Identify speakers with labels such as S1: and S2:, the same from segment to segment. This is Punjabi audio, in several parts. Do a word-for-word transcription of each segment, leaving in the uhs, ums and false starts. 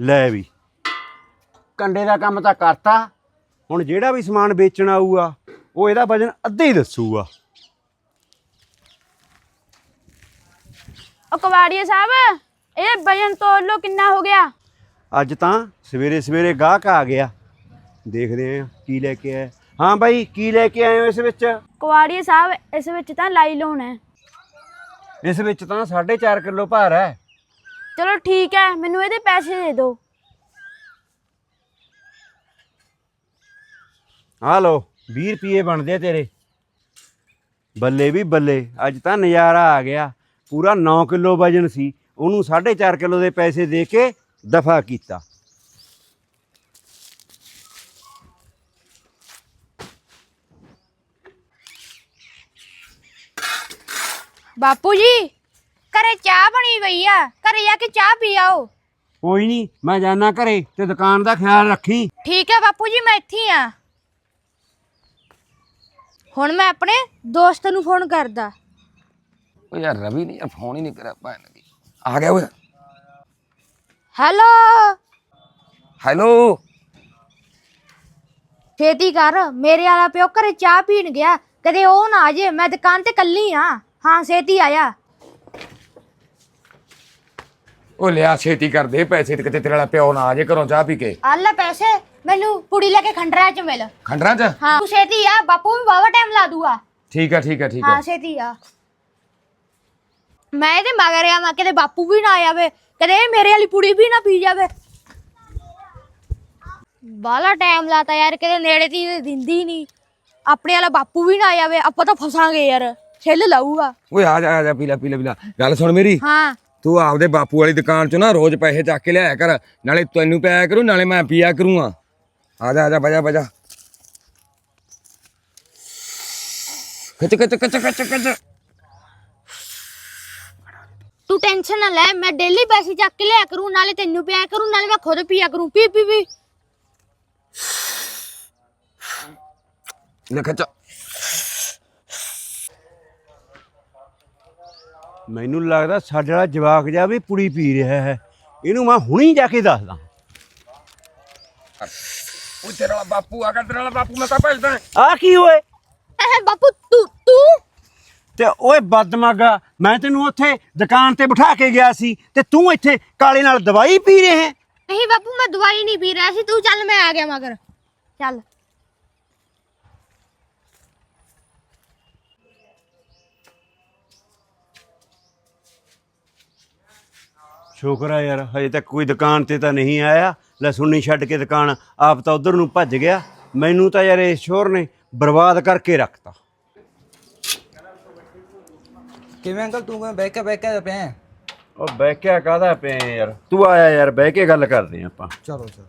S1: ਲੈ ਵੀ ਕੰਡੇ ਦਾ ਕੰਮ ਤਾਂ ਕਰਤਾ। ਹੁਣ ਜਿਹੜਾ ਵੀ ਸਮਾਨ ਵੇਚਣ ਆਊਗਾ ਉਹ ਇਹਦਾ ਵਜਨ ਅੱਧਾ ਹੀ ਦੱਸੂਗਾ।
S2: ਉਹ ਕਵਾੜੀਏ ਸਾਹਿਬ, ਇਹ ਵਜਨ ਤੋਲ ਲੋ ਕਿੰਨਾ ਹੋ ਗਿਆ।
S1: ਅੱਜ ਤਾਂ ਸਵੇਰੇ ਸਵੇਰੇ ਗਾਹਕ ਆ ਗਿਆ, ਦੇਖਦੇ ਆਂ ਕੀ ਲੈ ਕੇ ਆਇਆ। ਹਾਂ ਬਾਈ, ਕੀ ਲੈ ਕੇ ਆਏ ਹੋ ਇਸ ਵਿੱਚ?
S2: ਕਵਾੜੀਏ ਸਾਹਿਬ, ਇਸ ਵਿੱਚ ਤਾਂ ਲਾਈ ਲੋਨ ਹੈ।
S1: ਇਸ ਵਿੱਚ ਤਾਂ ਸਾਢੇ ਚਾਰ ਕਿਲੋ ਭਾਰ ਹੈ।
S2: ਚਲੋ ਠੀਕ ਹੈ, ਮੈਨੂੰ ਇਹਦੇ ਪੈਸੇ ਦੇ ਦਿਓ।
S1: ਆ ਲੋ ਵੀਹ ਰੁਪਏ ਬਣਦੇ ਆ ਤੇਰੇ। ਬੱਲੇ ਵੀ ਬੱਲੇ, ਅੱਜ ਤਾਂ ਨਜ਼ਾਰਾ ਆ ਗਿਆ। ਪੂਰਾ ਨੌ ਕਿਲੋ ਵਜਨ ਸੀ, ਉਹਨੂੰ ਸਾਢੇ ਚਾਰ ਕਿਲੋ ਦੇ ਪੈਸੇ ਦੇ ਕੇ ਦਫਾ ਕੀਤਾ।
S2: ਬਾਪੂ ਜੀ, ਘਰੇ ਚਾਹ ਬਣੀ ਪਈ ਆ, ਘਰੇ ਜਾ ਕੇ ਚਾਹ ਪੀ ਆਓ।
S1: ਕੋਈ ਨਹੀਂ, ਮੈਂ ਜਾਣਾ ਘਰੇ, ਤੇ ਦੁਕਾਨ ਦਾ ਖਿਆਲ ਰੱਖੀ।
S2: ਠੀਕ ਹੈ ਬਾਪੂ ਜੀ, ਮੈਂ ਇੱਥੇ ਆ। ਹੁਣ ਮੈਂ ਆਪਣੇ ਦੋਸਤ ਨੂੰ ਫੋਨ ਕਰਦਾ।
S3: ਓ ਯਾਰ ਰਵੀ ਨੇ ਯਾਰ ਫੋਨ ਹੀ ਨਹੀਂ ਕਰਿਆ ਭੈਣ ਦੀ। ਆ ਗਿਆ ਓਏ।
S2: ਹੈਲੋ
S3: ਹੈਲੋ,
S2: ਛੇਤੀ ਕਰ, ਮੇਰੇ ਵਾਲਾ ਪਿਓ ਘਰੇ ਚਾਹ ਪੀਣ ਗਿਆ, ਕਦੇ ਉਹ ਨਾ ਆ ਜੇ। ਮੈਂ ਦੁਕਾਨ ਤੇ ਕੱਲੀ ਆ। ਹਾਂ ਛੇਤੀ ਆਇਆ।
S3: ਉਹ ਲਿਆ ਛੇਤੀ ਕਰ ਦੇ ਪੈਸੇ, ਤੇ ਕਿਤੇ ਤੇਰੇ ਵਾਲਾ ਪਿਓ ਨਾ ਆ ਜੇ ਘਰੋਂ ਚਾਹ ਪੀ ਕੇ।
S2: ਆ ਲੈ ਪੈਸੇ, ਮੈਨੂੰ ਪੁੜੀ ਲੈ ਕੇ ਖੰਡਰਾਂ ਚ ਮਿਲ।
S3: ਖੰਡਰਾਂ ਚ?
S2: ਹਾਂ ਤੂੰ ਛੇਤੀ ਆ, ਬਾਪੂ ਵੀ ਬਾਵਾ ਟਾਈਮ ਲਾ ਦੂਗਾ।
S3: ਠੀਕ ਆ ਠੀਕ ਆ ਠੀਕ ਆ।
S2: ਹਾਂ ਛੇਤੀ ਆ। ਮੈਂ ਇਹਦੇ ਮਗਰ ਆ, ਮੈਂ ਕਿਤੇ ਬਾਪੂ ਵੀ ਨਾ ਆਵੇ, ਕਦੇ ਮੇਰੇ ਵਾਲੀ ਪੁੜੀ ਵੀ ਨਾ ਪੀ ਜਾਵੇ। ਬਾਲਾ ਟਾਈਮ ਲਾਤਾ ਯਾਰ, ਕਿਤੇ ਨੇੜੇ ਤੀ ਦਿੰਦੀ ਨਹੀਂ। ਆਪਣੇ ਵਾਲਾ ਬਾਪੂ ਵੀ ਨਾ ਆਵੇ, ਆਪਾਂ ਤਾਂ ਫਸਾਂਗੇ ਯਾਰ, ਛਿੱਲ ਲਾਊਗਾ।
S3: ਓਏ ਆ ਜਾ ਆ ਜਾ, ਪੀ ਲੈ ਪੀ ਲੈ ਪੀ ਲੈ। ਗੱਲ ਸੁਣ ਮੇਰੀ,
S2: ਹਾਂ
S3: ਤੂੰ ਆਪਦੇ ਬਾਪੂ ਵਾਲੀ ਦੁਕਾਨ ਚੋਂ ਨਾ ਰੋਜ਼ ਪੈਸੇ ਚੱਕ ਕੇ ਲਿਆਇਆ ਕਰ, ਨਾਲੇ ਤੈਨੂੰ ਪਿਆਇਆ ਕਰੂ ਨਾਲੇ ਮੈਂ ਪੀਆ ਕਰੂੰਗਾ। ਆ ਜਾ ਆ ਜਾ, ਬਜਾ ਬਜਾ। ਖਿੱਚ ਖਿੱਚ ਖਿੱਚ ਖਿੱਚ ਖਿੱਚ।
S2: ਤੂੰ ਟੈਨਸ਼ਨ ਨਾ ਲੈ, ਮੈਂ ਡੇਲੀ ਪੈਸੇ ਚੱਕ ਕੇ ਲਿਆ ਕਰੂੰ, ਨਾਲੇ ਤੈਨੂੰ ਪਿਆ ਕਰੂੰ, ਨਾਲੇ ਮੈਂ ਖੁਦ ਪੀਆ ਕਰੂੰ। ਪੀ ਪੀ ਪੀ।
S3: ਲੈ ਖਿੱਚ।
S1: ਮੈਨੂੰ ਲੱਗਦਾ ਸਾਡੇ ਵਾਲਾ ਜਵਾਕ ਜਾ ਵੀ ਪੁੜੀ ਪੀ ਰਿਹਾ ਹੈ। ਇਹਨੂੰ ਮੈਂ ਹੁਣੀ ਜਾ ਕੇ ਦੱਸਦਾ।
S3: ਉਹ ਤੇਰਾ ਵਾਲਾ ਬਾਪੂ ਆ ਗਿਆ, ਤੇਰਾ ਵਾਲਾ ਬਾਪੂ ਮੈਂ ਤਾਂ ਭੇਜਦਾ।
S1: ਆ ਕੀ ਓਏ?
S2: ਐ ਬਾਪੂ ਤੂੰ ਤੂੰ
S1: ਤੇ ਓਏ ਬਦਮਾਗਾ, ਮੈਂ ਤੈਨੂੰ ਉੱਥੇ ਦੁਕਾਨ ਤੇ ਬਿਠਾ ਕੇ ਗਿਆ ਸੀ ਤੇ ਤੂੰ ਇੱਥੇ ਕਾਲੇ ਨਾਲ ਦਵਾਈ ਪੀ ਰਹੇ ਹੈ।
S2: ਨਹੀਂ ਬਾਪੂ, ਮੈਂ ਦਵਾਈ ਨਹੀਂ ਪੀ ਰਿਹਾ ਸੀ। ਤੂੰ ਚੱਲ, ਮੈਂ ਆ ਗਿਆ ਮਗਰ। ਚੱਲ।
S1: ਸ਼ੁਕਰ ਆ ਯਾਰ, ਹਜੇ ਤੱਕ ਕੋਈ ਦੁਕਾਨ ਤੇ ਤਾਂ ਨਹੀਂ ਆਇਆ। ਲੈ ਸੁਣਨੀ ਛੱਡ ਕੇ ਦੁਕਾਨ ਆਪ ਤਾਂ ਉਧਰ ਨੂੰ ਭੱਜ ਗਿਆ। ਮੈਨੂੰ ਤਾਂ ਯਾਰ ਇਸ ਸ਼ੋਰ ਨੇ ਬਰਬਾਦ ਕਰਕੇ ਰੱਖਤਾ।
S4: ਕਿਵੇਂ ਅੰਕਲ, ਤੂੰ ਕਿਵੇਂ ਬਹਿ ਕੇ ਬਹਿ ਕੇ ਪਿਆ?
S1: ਉਹ ਬਹਿ ਕੇ ਕਾਹਦਾ ਪਿਆ ਯਾਰ, ਤੂੰ ਆਇਆ ਯਾਰ, ਬਹਿ ਕੇ ਗੱਲ ਕਰਦੇ ਆਪਾਂ।
S4: ਚਲੋ ਚਲੋ।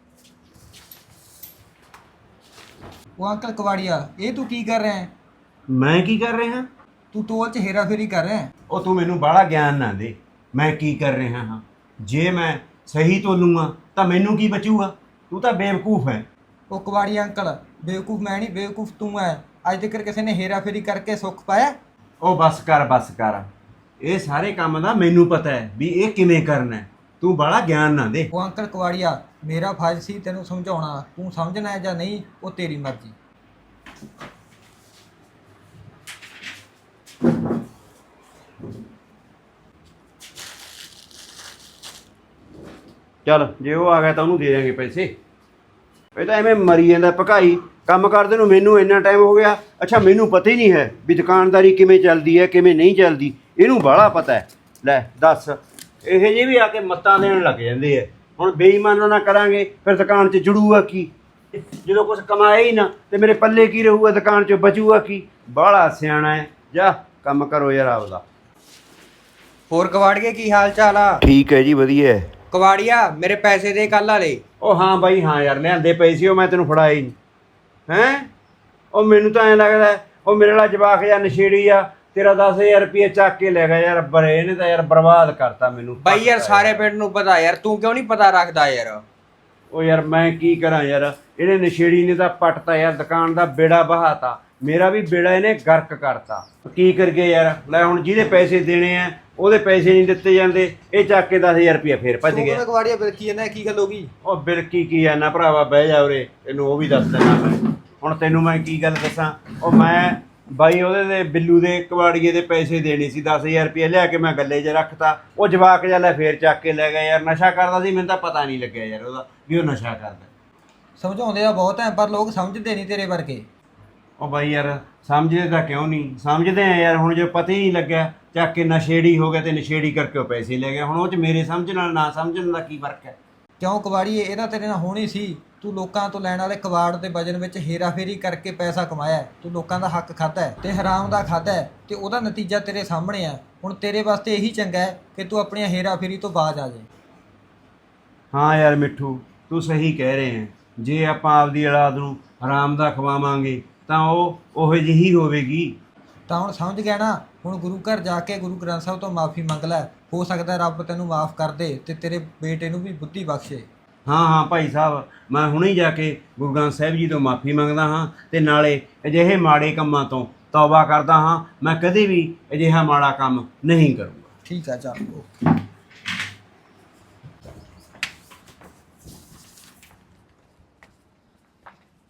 S4: ਉਹ ਅੰਕਲ ਕਵਾੜੀਆ, ਇਹ ਤੂੰ ਕੀ ਕਰ ਰਿਹਾ ਹੈ?
S1: ਮੈਂ ਕੀ ਕਰ ਰਿਹਾ?
S4: ਤੂੰ ਤੋਲ ਚ ਹੇਰਾ ਫੇਰੀ ਕਰ ਰਿਹਾ ਹੈ।
S1: ਉਹ ਤੂੰ ਮੈਨੂੰ ਬਾਹਲਾ ਗਿਆਨ ਨਾ ਦੇ, ਮੈਂ ਕੀ ਕਰ ਰਿਹਾ ਹਾਂ। ਜੇ ਮੈਂ ਸਹੀ ਤੋਲੂੰਗਾ ਤਾਂ ਮੈਨੂੰ ਕੀ ਬਚੂਗਾ? ਤੂੰ ਤਾਂ ਬੇਵਕੂਫ ਹੈ।
S4: ਉਹ ਕਵਾੜੀਆ ਅੰਕਲ, ਬੇਵਕੂਫ ਮੈਂ ਨਹੀਂ, ਬੇਵਕੂਫ ਤੂੰ ਹੈ। ਅੱਜ ਤੱਕ ਕਿਸੇ ਨੇ ਹੇਰਾ ਫੇਰੀ ਕਰਕੇ ਸੁੱਖ ਪਾਇਆ?
S1: ਉਹ ਬਸ ਕਰ ਬਸ ਕਰ, ਇਹ ਸਾਰੇ ਕੰਮ ਦਾ ਮੈਨੂੰ ਪਤਾ ਹੈ ਵੀ ਇਹ ਕਿਵੇਂ ਕਰਨਾ ਹੈ। ਤੂੰ ਬਾਹਲਾ ਗਿਆਨ ਨਾ ਦੇ।
S4: ਉਹ ਅੰਕਲ ਕਵਾੜੀਆ, ਮੇਰਾ ਫਰਜ਼ ਸੀ ਤੈਨੂੰ ਸਮਝਾਉਣਾ, ਤੂੰ ਸਮਝਣਾ ਹੈ ਜਾਂ ਨਹੀਂ ਉਹ ਤੇਰੀ ਮਰਜ਼ੀ।
S1: ਚੱਲ ਜੇ ਉਹ ਆ ਗਿਆ ਤਾਂ ਉਹਨੂੰ ਦੇ ਦਿਆਂਗੇ ਪੈਸੇ। ਇਹ ਤਾਂ ਐਵੇਂ ਮਰੀ ਜਾਂਦਾ ਭਕਾਈ, ਕੰਮ ਕਰਦੇ ਨੂੰ ਮੈਨੂੰ ਇੰਨਾ ਟਾਈਮ ਹੋ ਗਿਆ। ਅੱਛਾ, ਮੈਨੂੰ ਪਤਾ ਹੀ ਨਹੀਂ ਹੈ ਵੀ ਦੁਕਾਨਦਾਰੀ ਕਿਵੇਂ ਚੱਲਦੀ ਹੈ ਕਿਵੇਂ ਨਹੀਂ ਚੱਲਦੀ। ਇਹਨੂੰ ਬਾਹਲਾ ਪਤਾ ਹੈ। ਲੈ ਦੱਸ, ਇਹ ਜਿਹੇ ਵੀ ਆ ਕੇ ਮੱਤਾਂ ਦੇਣ ਲੱਗ ਜਾਂਦੇ ਆ। ਹੁਣ ਬੇਈਮਾਨਾਂ ਨਾ ਕਰਾਂਗੇ ਫਿਰ ਦੁਕਾਨ 'ਚ ਜੁੜੂਗਾ ਕੀ? ਜਦੋਂ ਕੁਛ ਕਮਾਇਆ ਹੀ ਨਾ ਤੇ ਮੇਰੇ ਪੱਲੇ ਕੀ ਰਹੂਗਾ, ਦੁਕਾਨ 'ਚ ਬਚੂਗਾ ਕੀ? ਬਾਹਲਾ ਸਿਆਣਾ ਹੈ। ਜਾ ਕੰਮ ਕਰੋ ਯਾਰ ਆਪਦਾ।
S4: ਹੋਰ ਕਵਾੜੀਏ, ਕੀ ਹਾਲ ਚਾਲ ਆ?
S1: ਠੀਕ ਹੈ ਜੀ, ਵਧੀਆ ਹੈ।
S4: ਕਵਾੜੀਆ, ਮੇਰੇ ਪੈਸੇ ਦੇ ਕੱਲ੍ਹ ਵਾਲੇ।
S1: ਉਹ ਹਾਂ ਬਾਈ, ਹਾਂ ਯਾਰ, ਲਿਆਂਦੇ ਪਏ ਸੀ ਉਹ, ਮੈਂ ਤੈਨੂੰ ਫੜਾਏ ਨਹੀਂ। ਹੈਂ, ਉਹ ਮੈਨੂੰ ਤਾਂ ਐਂ ਲੱਗਦਾ ਉਹ ਮੇਰੇ ਵਾਲਾ ਜਵਾਕ ਜਾਂ ਨਸ਼ੇੜੀ ਆ, ਤੇਰਾ ਦਸ ਹਜ਼ਾਰ ਰੁਪਏ ਚੱਕ ਕੇ ਲੈ ਗਿਆ ਯਾਰ। ਬਰੇ ਇਹਨੇ ਤਾਂ ਯਾਰ ਬਰਬਾਦ ਕਰਤਾ ਮੈਨੂੰ
S4: ਬਾਈ ਯਾਰ, ਸਾਰੇ ਪਿੰਡ ਨੂੰ ਪਤਾ ਯਾਰ, ਤੂੰ ਕਿਉਂ ਨਹੀਂ ਪਤਾ ਰੱਖਦਾ ਯਾਰ?
S1: ਉਹ ਯਾਰ ਮੈਂ ਕੀ ਕਰਾਂ ਯਾਰ, ਇਹਨੇ ਨਸ਼ੇੜੀ ਨੇ ਤਾਂ ਪੱਟਤਾ ਯਾਰ, ਦੁਕਾਨ ਦਾ ਬੇੜਾ ਬਹਾਤਾ। ਮੇਰਾ ਵੀ ਬੇੜਾ ਇਹਨੇ ਗਰਕ ਕਰਤਾ। ਕੀ ਕਰਗੇ ਯਾਰ? ਲੈ ਹੁਣ ਜਿਹਦੇ ਪੈਸੇ ਦੇਣੇ ਆ ਉਹਦੇ ਪੈਸੇ ਨਹੀਂ ਦਿੱਤੇ ਜਾਂਦੇ, ਇਹ ਚੱਕ ਕੇ ਦਸ ਹਜ਼ਾਰ ਰੁਪਇਆ ਫੇਰ ਭੱਜ
S4: ਤੂੰ
S1: ਗਿਆ।
S4: ਕਿਵੇਂ ਕਵਾੜੀਆ ਬਿਲਕੀ ਜਾਂਦਾ ਕੀ ਗੱਲ ਹੋ ਗਈ?
S1: ਉਹ ਬਿਲਕੀ ਕੀ ਆ ਨਾ ਭਰਾਵਾ, ਬਹਿ ਜਾ ਉਰੇ, ਤੈਨੂੰ ਉਹ ਵੀ ਦੱਸ ਦੇਣਾ ਮੈਂ। ਹੁਣ ਤੈਨੂੰ ਮੈਂ ਕੀ ਗੱਲ ਦੱਸਾਂ, ਉਹ ਮੈਂ ਬਾਈ ਉਹਦੇ ਦੇ ਬਿੱਲੂ ਦੇ ਕਵਾੜੀਏ ਦੇ ਪੈਸੇ ਦੇਣੇ ਸੀ, ਦਸ ਹਜ਼ਾਰ ਰੁਪਇਆ ਲਿਆ ਕੇ ਮੈਂ ਗੱਲੇ 'ਚ ਰੱਖਤਾ। ਉਹ ਜਵਾਕ ਜਿਹਾ ਲੈ ਫੇਰ ਚੱਕ ਕੇ ਲੈ ਗਿਆ ਯਾਰ, ਨਸ਼ਾ ਕਰਦਾ ਸੀ, ਮੈਨੂੰ ਤਾਂ ਪਤਾ ਨਹੀਂ ਲੱਗਿਆ ਯਾਰ ਉਹਦਾ ਵੀ ਉਹ ਨਸ਼ਾ ਕਰਦਾ।
S4: ਸਮਝਾਉਂਦੇ ਆ ਬਹੁਤ ਐ ਪਰ ਲੋਕ ਸਮਝਦੇ ਨਹੀਂ ਤੇਰੇ ਵਰਗੇ।
S1: ਉਹ ਬਾਈ ਯਾਰ ਸਮਝਦੇ ਤਾਂ ਕਿਉਂ ਨਹੀਂ, ਸਮਝਦੇ ਆ ਯਾਰ। ਹੁਣ ਜੇ ਪਤਾ ਹੀ ਨਹੀਂ ਲੱਗਿਆ, ਚੱਕ ਕੇ ਨਸ਼ੇੜੀ ਹੋ ਗਿਆ ਤੇ ਨਸ਼ੇੜੀ ਕਰਕੇ ਉਹ ਪੈਸੇ ਲੈ ਗਿਆ। ਹੁਣ ਉਹ 'ਚ ਮੇਰੇ ਸਮਝਣ ਨਾਲ ਨਾ ਸਮਝਣ ਦਾ ਕੀ ਫਰਕ ਹੈ?
S4: ਕਿਉਂ ਕਵਾੜੀਏ, ਇਹ ਤਾਂ ਤੇਰੇ ਨਾਲ ਹੋਣੀ ਸੀ। ਤੂੰ ਲੋਕਾਂ ਤੋਂ ਲੈਣ ਵਾਲੇ ਕਵਾੜ ਦੇ ਵਜਨ ਵਿੱਚ ਹੇਰਾਫੇਰੀ ਕਰਕੇ ਪੈਸਾ ਕਮਾਇਆ ਹੈ। ਤੂੰ ਲੋਕਾਂ ਦਾ ਹੱਕ ਖਾਧਾ ਹੈ ਤੇ ਹਰਾਮ ਦਾ ਖਾਧਾ ਹੈ ਤੇ ਉਹਦਾ ਨਤੀਜਾ ਤੇਰੇ ਸਾਹਮਣੇ ਆ। ਹੁਣ ਤੇਰੇ ਵਾਸਤੇ ਇਹੀ ਚੰਗਾ ਹੈ ਕਿ ਤੂੰ ਆਪਣੀਆਂ ਹੇਰਾਫੇਰੀ ਤੋਂ ਬਾਜ਼ ਆ ਜਾਏ।
S1: ਹਾਂ ਯਾਰ ਮਿੱਠੂ, ਤੂੰ ਸਹੀ ਕਹਿ ਰਹੇ ਹੈ। ਜੇ ਆਪਾਂ ਆਪਦੀ ਔਲਾਦ ਨੂੰ ਹਰਾਮ ਦਾ ਖਵਾਵਾਂਗੇ ਤਾਂ ਉਹ ਉਹੋ ਜਿਹੀ ਹੋਵੇਗੀ।
S4: ਤਾਂ ਹੁਣ ਸਮਝ ਗਿਆ ਨਾ? ਹੁਣ ਗੁਰੂ ਘਰ ਜਾ ਕੇ ਗੁਰੂ ਗ੍ਰੰਥ ਸਾਹਿਬ ਤੋਂ ਮਾਫੀ ਮੰਗ ਲੈ, ਹੋ ਸਕਦਾ ਰੱਬ ਤੈਨੂੰ ਮਾਫ ਕਰ ਦੇ ਤੇ ਤੇਰੇ ਬੇਟੇ ਨੂੰ ਵੀ ਬੁੱਧੀ ਬਖਸ਼ੇ।
S1: ਹਾਂ ਹਾਂ ਭਾਈ ਸਾਹਿਬ, ਮੈਂ ਹੁਣੇ ਜਾ ਕੇ ਗੁਰੂ ਗ੍ਰੰਥ ਸਾਹਿਬ ਜੀ ਤੋਂ ਮਾਫੀ ਮੰਗਦਾ ਹਾਂ ਤੇ ਨਾਲੇ ਅਜਿਹੇ ਮਾੜੇ ਕੰਮਾਂ ਤੋਂ ਤੌਬਾ ਕਰਦਾ ਹਾਂ। ਮੈਂ ਕਦੇ ਵੀ ਅਜਿਹਾ ਮਾੜਾ ਕੰਮ ਨਹੀਂ ਕਰੂੰਗਾ।
S4: ਠੀਕ ਆ, ਚੱਲ ਓਕੇ।